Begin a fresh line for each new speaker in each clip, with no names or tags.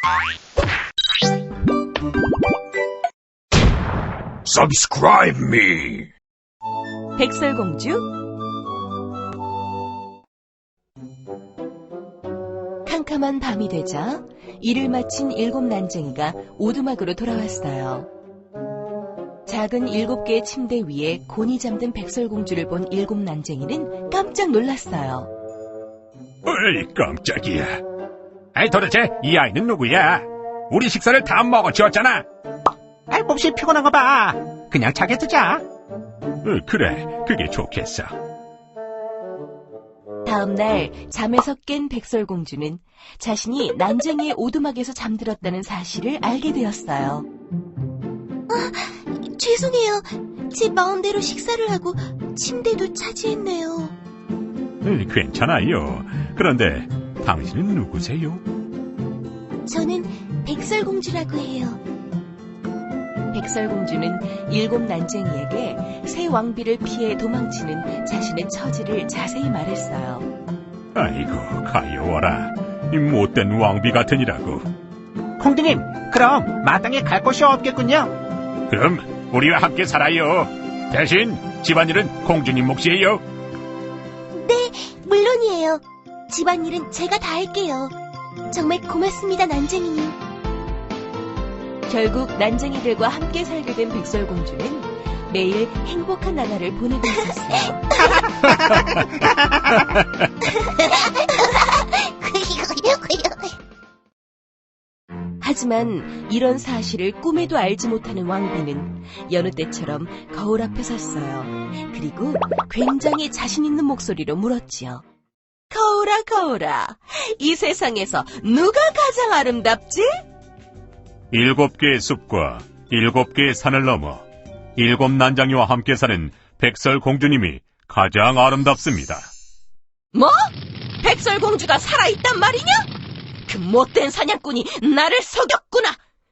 Subscribe me.
백설공주. 캄캄한 밤이 되자 일을 마친 7 난쟁이가 오두막으로 돌아왔어요. 작은 7개의 침대 위에 곤히 잠든 백설공주를 본 7 난쟁이는 깜짝 놀랐어요.
어이, 깜짝이야. 아이, 도대체 이 아이는 누구야? 우리 식사를 다 먹어치웠잖아.
아이, 몹시 피곤한 거 봐. 그냥 자게 두자.
그래, 그게 좋겠어.
다음 날 잠에서 깬 백설공주는 자신이 난쟁이의 오두막에서 잠들었다는 사실을 알게 되었어요.
죄송해요. 제 마음대로 식사를 하고 침대도 차지했네요.
괜찮아요. 그런데 당신은 누구세요?
저는 백설공주라고 해요.
백설공주는 7 난쟁이에게 새 왕비를 피해 도망치는 자신의 처지를 자세히 말했어요.
아이고, 가여워라. 이 못된 왕비 같으니라고.
공주님, 그럼 마땅히 갈 곳이 없겠군요.
그럼 우리와 함께 살아요. 대신 집안일은 공주님 몫이에요.
네, 물론이에요. 집안일은 제가 다 할게요. 정말 고맙습니다, 난쟁이님.
결국 난쟁이들과 함께 살게 된 백설공주는 매일 행복한 나날을 보내고 있었어요. 하지만 이런 사실을 꿈에도 알지 못하는 왕비는 여느 때처럼 거울 앞에 섰어요. 그리고 굉장히 자신 있는 목소리로 물었지요. 거울아, 거울아, 이 세상에서 누가 가장 아름답지?
7개의 숲과 7개의 산을 넘어 7 난장이와 함께 사는 백설공주님이 가장 아름답습니다.
뭐? 백설공주가 살아있단 말이냐? 그 못된 사냥꾼이 나를 속였구나!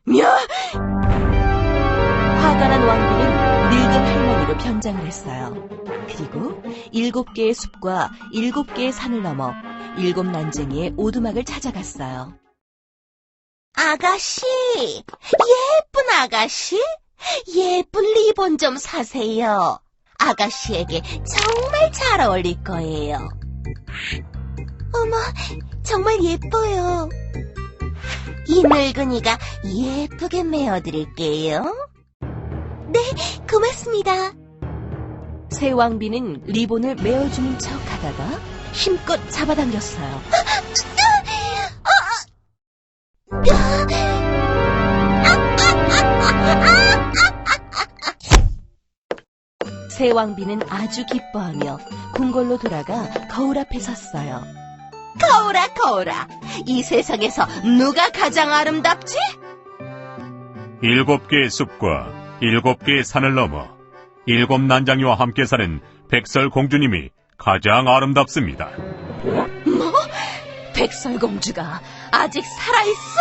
화가 난 왕비는 늙은 할머니로 변장을 했어요. 그리고 7개의 숲과 7개의 산을 넘어 7 난쟁이의 오두막을 찾아갔어요.
아가씨, 예쁜 아가씨, 예쁜 리본 좀 사세요. 아가씨에게 정말 잘 어울릴 거예요. 어머, 정말 예뻐요. 이 늙은이가 예쁘게 메어드릴게요. 네, 고맙습니다.
새 왕비는 리본을 메어주는 척 하다가 힘껏 잡아당겼어요. 새 왕비는 아주 기뻐하며 궁궐로 돌아가 거울 앞에 섰어요.
거울아, 거울아, 이 세상에서 누가 가장 아름답지?
7개의 숲과 7개의 산을 넘어 7 난장이와 함께 사는 백설공주님이 가장 아름답습니다.
뭐? 백설공주가 아직 살아있어?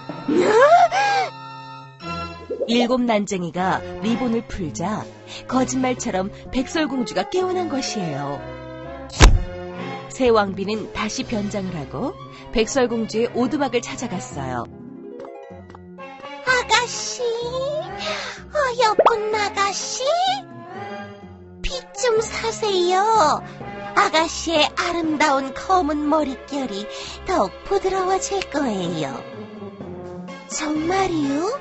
7 난쟁이가 리본을 풀자 거짓말처럼 백설공주가 깨어난 것이에요. 새 왕비는 다시 변장을 하고 백설공주의 오두막을 찾아갔어요.
아가씨, 어여쁜 아가씨, 빛 좀 사세요. 아가씨의 아름다운 검은 머릿결이 더욱 부드러워질 거예요. 정말이요?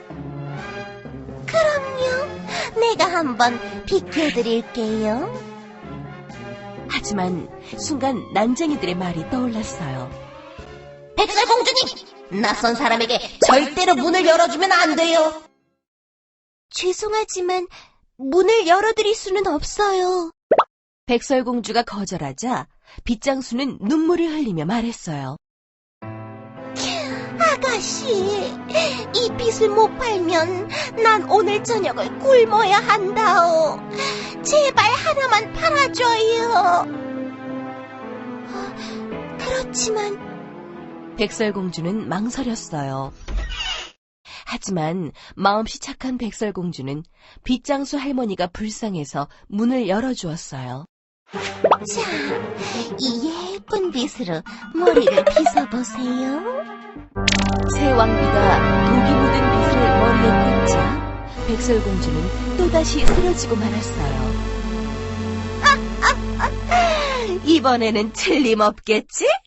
그럼요. 내가 한번 비켜드릴게요.
하지만 순간 난쟁이들의 말이 떠올랐어요.
백설공주님, 낯선 사람에게 절대로 문을 열어주면 안 돼요. 죄송하지만 문을 열어드릴 수는 없어요.
백설공주가 거절하자 빗장수는 눈물을 흘리며 말했어요.
아가씨, 이 빛을 못 팔면 난 오늘 저녁을 굶어야 한다오. 제발 하나만 팔아줘요. 그렇지만
백설공주는 망설였어요. 하지만 마음씨 착한 백설공주는 빗장수 할머니가 불쌍해서 문을 열어주었어요.
자, 이 예쁜 빗으로 머리를 빗어보세요.
새 왕비가 독이 묻은 빗을 머리에 꽂자 백설공주는 또다시 쓰러지고 말았어요. 이번에는 틀림없겠지?